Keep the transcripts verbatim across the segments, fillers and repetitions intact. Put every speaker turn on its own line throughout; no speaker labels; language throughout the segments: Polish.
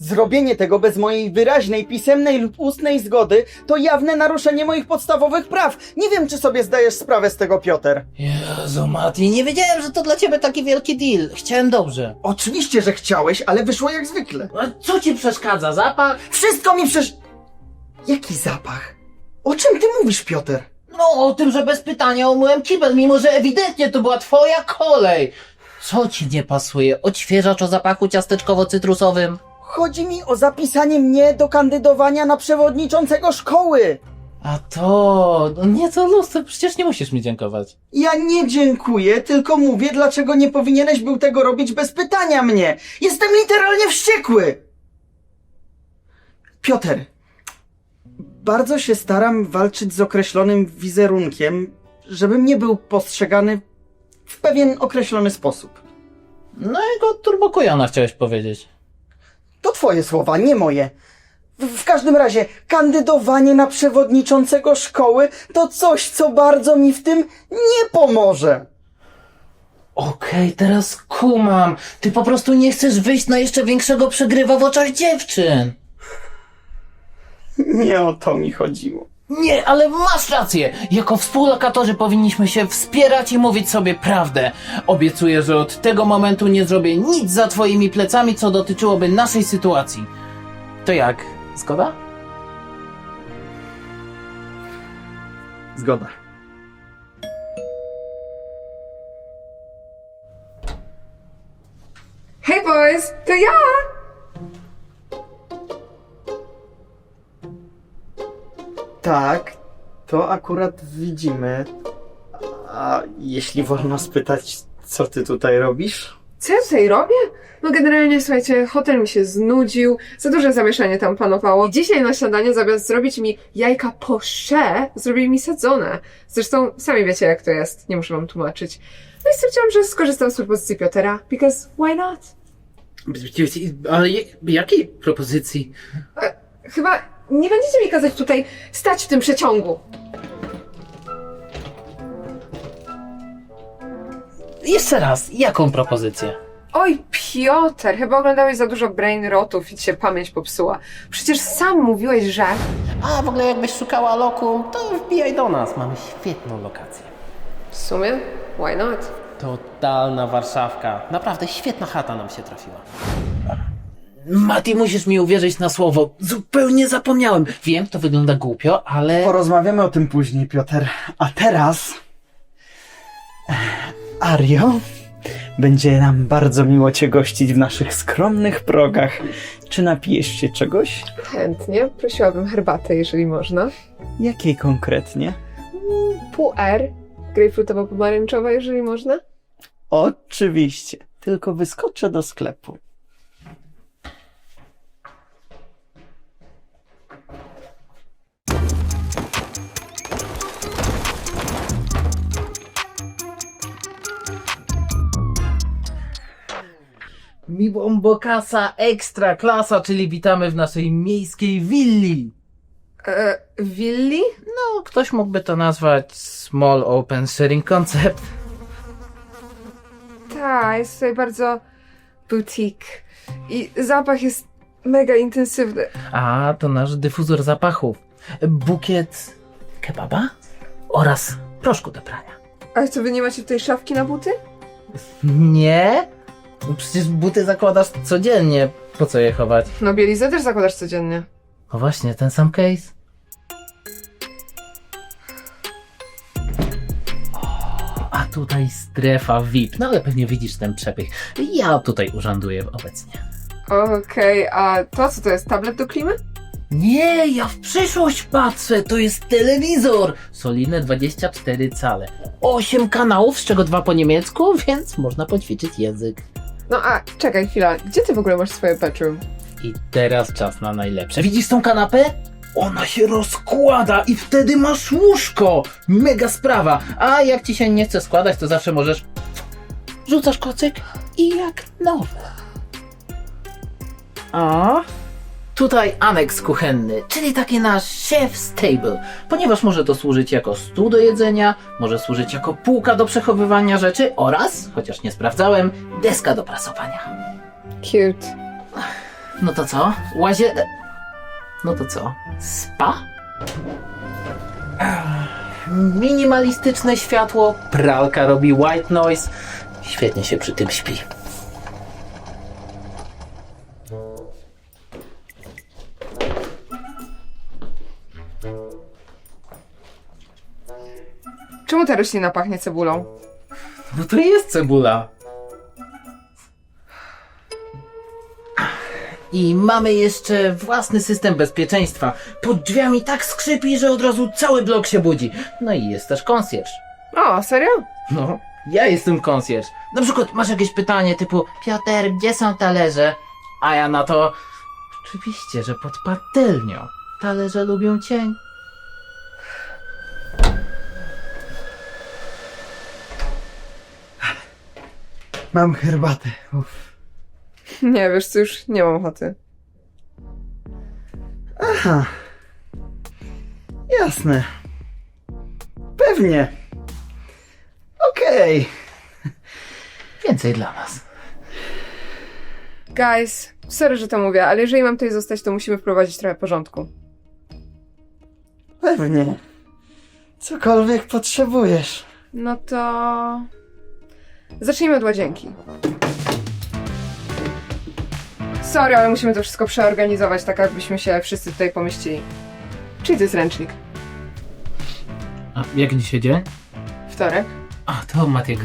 Zrobienie tego bez mojej wyraźnej, pisemnej lub ustnej zgody to jawne naruszenie moich podstawowych praw. Nie wiem, czy sobie zdajesz sprawę z tego, Piotr.
Jezu, Mati, nie wiedziałem, że to dla ciebie taki wielki deal. Chciałem dobrze.
Oczywiście, że chciałeś, ale wyszło jak zwykle.
A co ci przeszkadza? Zapach?
Wszystko mi przesz... Jaki zapach? O czym ty mówisz, Piotr?
No, o tym, że bez pytania umyłem kibel, mimo że ewidentnie to była twoja kolej. Co ci nie pasuje? Odświeżacz o zapachu ciasteczkowo-cytrusowym?
Chodzi mi o zapisanie mnie do kandydowania na przewodniczącego szkoły.
A to... no nie, to lustro, przecież nie musisz mi dziękować.
Ja nie dziękuję, tylko mówię, dlaczego nie powinieneś był tego robić bez pytania mnie. Jestem literalnie wściekły. Piotr, bardzo się staram walczyć z określonym wizerunkiem, żebym nie był postrzegany w pewien określony sposób.
No i go turbokujona chciałeś powiedzieć.
To twoje słowa, nie moje. W, w każdym razie, kandydowanie na przewodniczącego szkoły to coś, co bardzo mi w tym nie pomoże.
Okej, teraz kumam. Ty po prostu nie chcesz wyjść na jeszcze większego przegrywa w oczach dziewczyn.
Nie o to mi chodziło.
Nie, ale masz rację! Jako współlokatorzy powinniśmy się wspierać i mówić sobie prawdę. Obiecuję, że od tego momentu nie zrobię nic za twoimi plecami, co dotyczyłoby naszej sytuacji. To jak? Zgoda?
Zgoda.
Hej boys, to ja!
Tak, to akurat widzimy. A jeśli wolno spytać, co ty tutaj robisz?
Co ja tutaj robię? No generalnie, słuchajcie, hotel mi się znudził, za duże zamieszanie tam panowało. Dzisiaj na śniadanie zamiast zrobić mi jajka poché, zrobili mi sadzone. Zresztą sami wiecie jak to jest, nie muszę wam tłumaczyć. No i stwierdziłam, że skorzystam z propozycji Piotra, because why not?
Ale jakiej propozycji?
E, chyba nie będziecie mi kazać tutaj stać w tym przeciągu.
Jeszcze raz, jaką propozycję?
Oj, Piotr, chyba oglądałeś za dużo brain rotów i ci się pamięć popsuła. Przecież sam mówiłeś, że...
A w ogóle jakbyś szukała lokum, to wbijaj do nas. Mamy świetną lokację.
W sumie, why not?
Totalna Warszawka. Naprawdę świetna chata nam się trafiła.
Mati, musisz mi uwierzyć na słowo. Zupełnie zapomniałem. Wiem, to wygląda głupio, ale...
Porozmawiamy o tym później, Piotr. A teraz... Ario, będzie nam bardzo miło cię gościć w naszych skromnych progach. Czy napijesz się czegoś?
Chętnie, prosiłabym herbatę, jeżeli można.
Jakiej konkretnie?
Pół R, grejpfrutowo-pomarańczowa, jeżeli można.
Oczywiście, tylko wyskoczę do sklepu.
Mi bombokasa ekstra klasa, czyli witamy w naszej miejskiej willi.
E, willi?
No, ktoś mógłby to nazwać small open sharing concept.
Tak, jest tutaj bardzo boutique. I zapach jest mega intensywny.
A, to nasz dyfuzor zapachów. Bukiet kebaba oraz proszku do prania.
Ale co, wy nie macie tutaj szafki na buty?
Nie? Przecież buty zakładasz codziennie. Po co je chować?
No bielizę też zakładasz codziennie.
O właśnie, ten sam case. O, a tutaj strefa V I P. No ale pewnie widzisz ten przepych. Ja tutaj urzęduję obecnie.
Okej, a to co to jest? Tablet do klimy?
Nie, ja w przyszłość patrzę. To jest telewizor. Solidne dwadzieścia cztery cale. osiem kanałów, z czego dwa po niemiecku, więc można poćwiczyć język.
No a, czekaj chwila, gdzie ty w ogóle masz swoje bedroom?
I teraz czas na najlepsze. Widzisz tą kanapę? Ona się rozkłada i wtedy masz łóżko. Mega sprawa. A jak ci się nie chce składać, to zawsze możesz... Rzucasz kocyk i jak nowe. A? Tutaj aneks kuchenny, czyli taki nasz chef's table, ponieważ może to służyć jako stół do jedzenia, może służyć jako półka do przechowywania rzeczy oraz, chociaż nie sprawdzałem, deska do prasowania.
Cute.
No to co? Łazie... No to co? Spa? Ach, minimalistyczne światło, pralka robi white noise. Świetnie się przy tym śpi.
Czemu ta roślina pachnie cebulą?
No to jest cebula. I mamy jeszcze własny system bezpieczeństwa. Pod drzwiami tak skrzypi, że od razu cały blok się budzi. No i jest też konsjerz.
O, serio?
No, ja jestem konsjerz. Na przykład masz jakieś pytanie typu Piotr, gdzie są talerze? A ja na to oczywiście, że pod patelnią. Talerze lubią cień.
Mam herbatę. Uff.
Nie, wiesz co, już nie mam ochoty.
Aha. Jasne. Pewnie. Okej.
Więcej dla nas.
Guys, sorry, że to mówię, ale jeżeli mam tutaj zostać, to musimy wprowadzić trochę porządku.
Pewnie. Cokolwiek potrzebujesz.
No to... Zacznijmy od łazienki. Sorry, ale musimy to wszystko przeorganizować, tak jakbyśmy się wszyscy tutaj pomieścili. Czyli to jest ręcznik.
A jak dzisiaj dzień?
Wtorek.
A, to Matiego.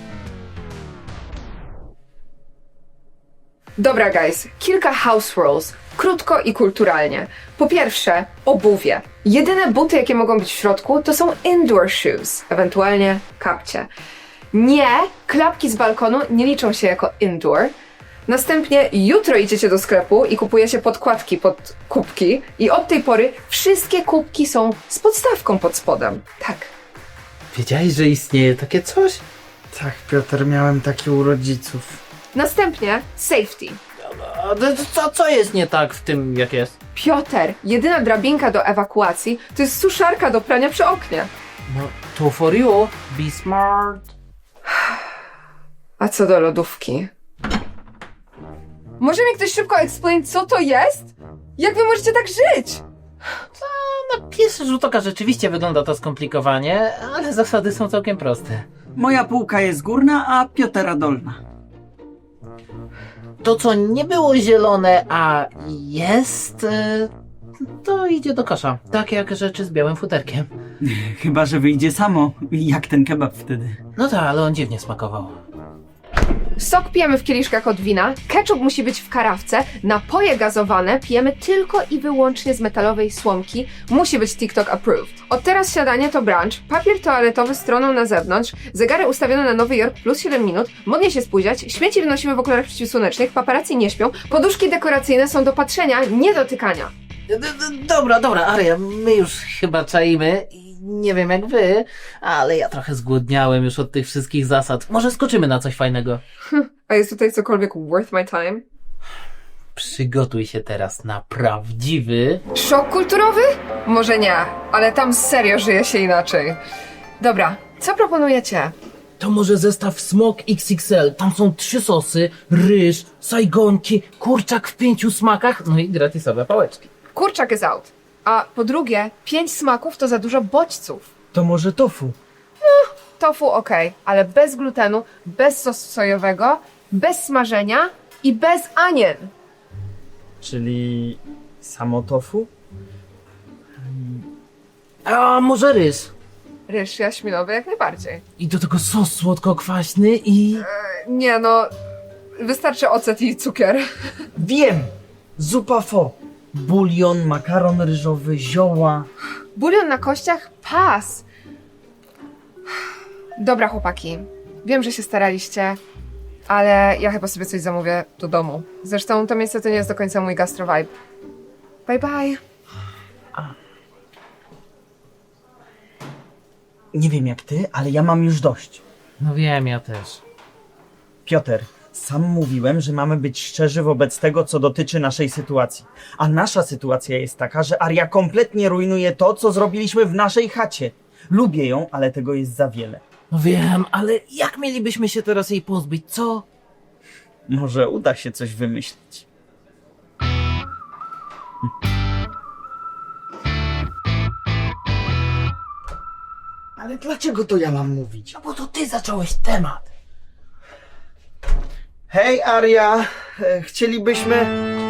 Dobra, guys, kilka house rules. Krótko i kulturalnie. Po pierwsze, obuwie. Jedyne buty, jakie mogą być w środku, to są indoor shoes, ewentualnie kapcie. Nie, klapki z balkonu nie liczą się jako indoor. Następnie jutro idziecie do sklepu i kupujecie podkładki pod kubki i od tej pory wszystkie kubki są z podstawką pod spodem. Tak.
Wiedziałeś, że istnieje takie coś?
Tak, Piotr, miałem takie u rodziców.
Następnie safety.
A to- co, co jest nie tak w tym, jak jest?
Piotr, jedyna drabinka do ewakuacji to jest suszarka do prania przy oknie.
No, to for you. Be smart.
A co do lodówki? Może mi ktoś szybko explain, co to jest? Jak wy możecie tak żyć?
Na pierwszy rzut oka rzeczywiście wygląda to skomplikowanie, ale zasady są całkiem proste.
Moja półka jest górna, a Piotera dolna.
To, co nie było zielone, a jest, e, to idzie do kosza. Tak jak rzeczy z białym futerkiem.
Chyba, że wyjdzie samo, jak ten kebab wtedy.
No tak, ale on dziwnie smakował.
Sok pijemy w kieliszkach od wina, ketchup musi być w karawce, napoje gazowane pijemy tylko i wyłącznie z metalowej słomki, musi być TikTok approved. Od teraz śniadanie to brunch, papier toaletowy stroną na zewnątrz, zegary ustawione na Nowy Jork plus siedem minut, modnie się spóźniać, śmieci wynosimy w okularach przeciwsłonecznych, paparazzi nie śpią, poduszki dekoracyjne są do patrzenia, nie dotykania.
D- d- Dobra, dobra, Aria, my już chyba czaimy. I nie wiem jak wy, ale ja trochę zgłodniałem już od tych wszystkich zasad. Może skoczymy na coś fajnego.
A jest tutaj cokolwiek worth my time?
Przygotuj się teraz na prawdziwy...
Szok kulturowy? Może nie, ale tam serio żyje się inaczej. Dobra, co proponujecie?
To może zestaw Smok X X L. Tam są trzy sosy, ryż, sajgonki, kurczak w pięciu smakach, no i gratisowe pałeczki.
Kurczak is out. A po drugie, pięć smaków to za dużo bodźców.
To może tofu?
Tofu okej, ale bez glutenu, bez sosu sojowego, bez smażenia i bez anien.
Czyli samo tofu?
A może ryż?
Ryż jaśminowy jak najbardziej.
I do tego sos słodko-kwaśny i...
Nie no, wystarczy ocet i cukier.
Wiem! Zupa pho. Bulion, makaron ryżowy, zioła.
Bulion na kościach? Pas! Dobra chłopaki, wiem, że się staraliście, ale ja chyba sobie coś zamówię do domu. Zresztą to miejsce to nie jest do końca mój gastro vibe. Bye bye.
Nie wiem jak ty, ale ja mam już dość.
No wiem, ja też.
Piotr, sam mówiłem, że mamy być szczerzy wobec tego, co dotyczy naszej sytuacji. A nasza sytuacja jest taka, że Aria kompletnie rujnuje to, co zrobiliśmy w naszej chacie. Lubię ją, ale tego jest za wiele.
No wiem, ale jak mielibyśmy się teraz jej pozbyć, co?
Może uda się coś wymyślić.
Ale dlaczego to ja mam mówić?
No bo to ty zacząłeś temat.
Hej, Aria, e, chcielibyśmy...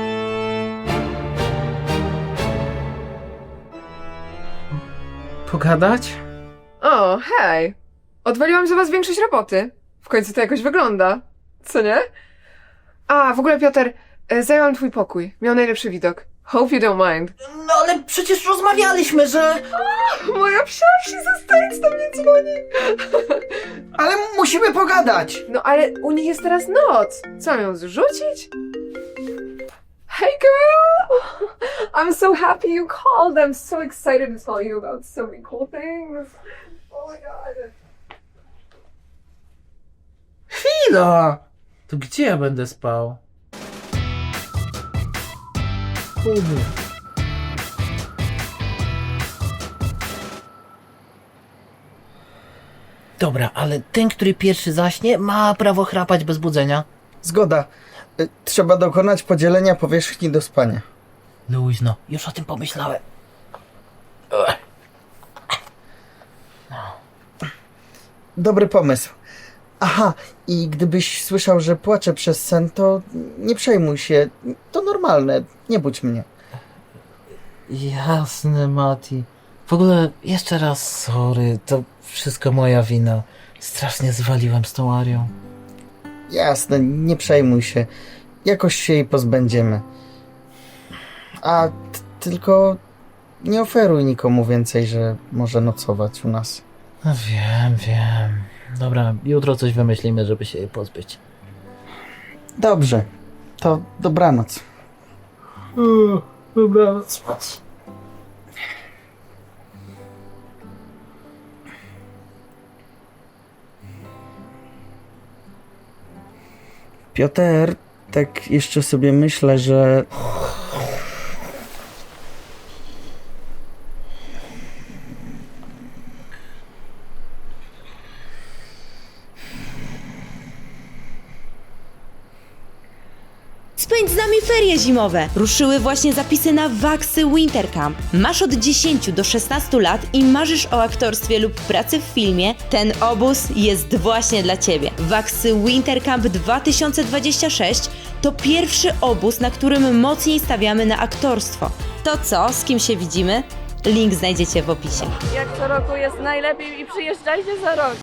Pogadać?
O, hej! Odwaliłam za was większość roboty. W końcu to jakoś wygląda. Co nie? A, w ogóle Piotr, e, zajęłam twój pokój. Miał najlepszy widok. Hope you don't mind.
No ale przecież rozmawialiśmy, że...
Moja psiarz ze States do mnie dzwoni.
Ale musimy pogadać!
No ale u nich jest teraz noc. Co, mam ją zrzucić? Hey girl! I'm so happy you called. I'm so excited to tell you about so many cool things. Oh my god.
Chwila! To gdzie ja będę spał? Dobra, ale ten, który pierwszy zaśnie, ma prawo chrapać bez budzenia.
Zgoda. E, Trzeba dokonać podzielenia powierzchni do spania.
Luźno, już o tym pomyślałem.
Dobry pomysł. Aha, i gdybyś słyszał, że płaczę przez sen, to nie przejmuj się. To normalne. Nie budź mnie.
Jasne, Mati. W ogóle jeszcze raz sorry, to wszystko moja wina. Strasznie zwaliłem z tą Arią.
Jasne, nie przejmuj się. Jakoś się jej pozbędziemy. A t- tylko nie oferuj nikomu więcej, że może nocować u nas.
No wiem, wiem. Dobra, jutro coś wymyślimy, żeby się jej pozbyć.
Dobrze. To dobranoc.
Dobra, spać.
Piotr, tak jeszcze sobie myślę, że...
Spędź z nami ferie zimowe! Ruszyły właśnie zapisy na Waxy Winter Camp. Masz od dziesięciu do szesnastu lat i marzysz o aktorstwie lub pracy w filmie? Ten obóz jest właśnie dla Ciebie. Waxy Winter Camp dwa tysiące dwadzieścia sześć to pierwszy obóz, na którym mocniej stawiamy na aktorstwo. To co? Z kim się widzimy? Link znajdziecie w opisie.
Jak co roku jest najlepiej i przyjeżdżajcie za rok.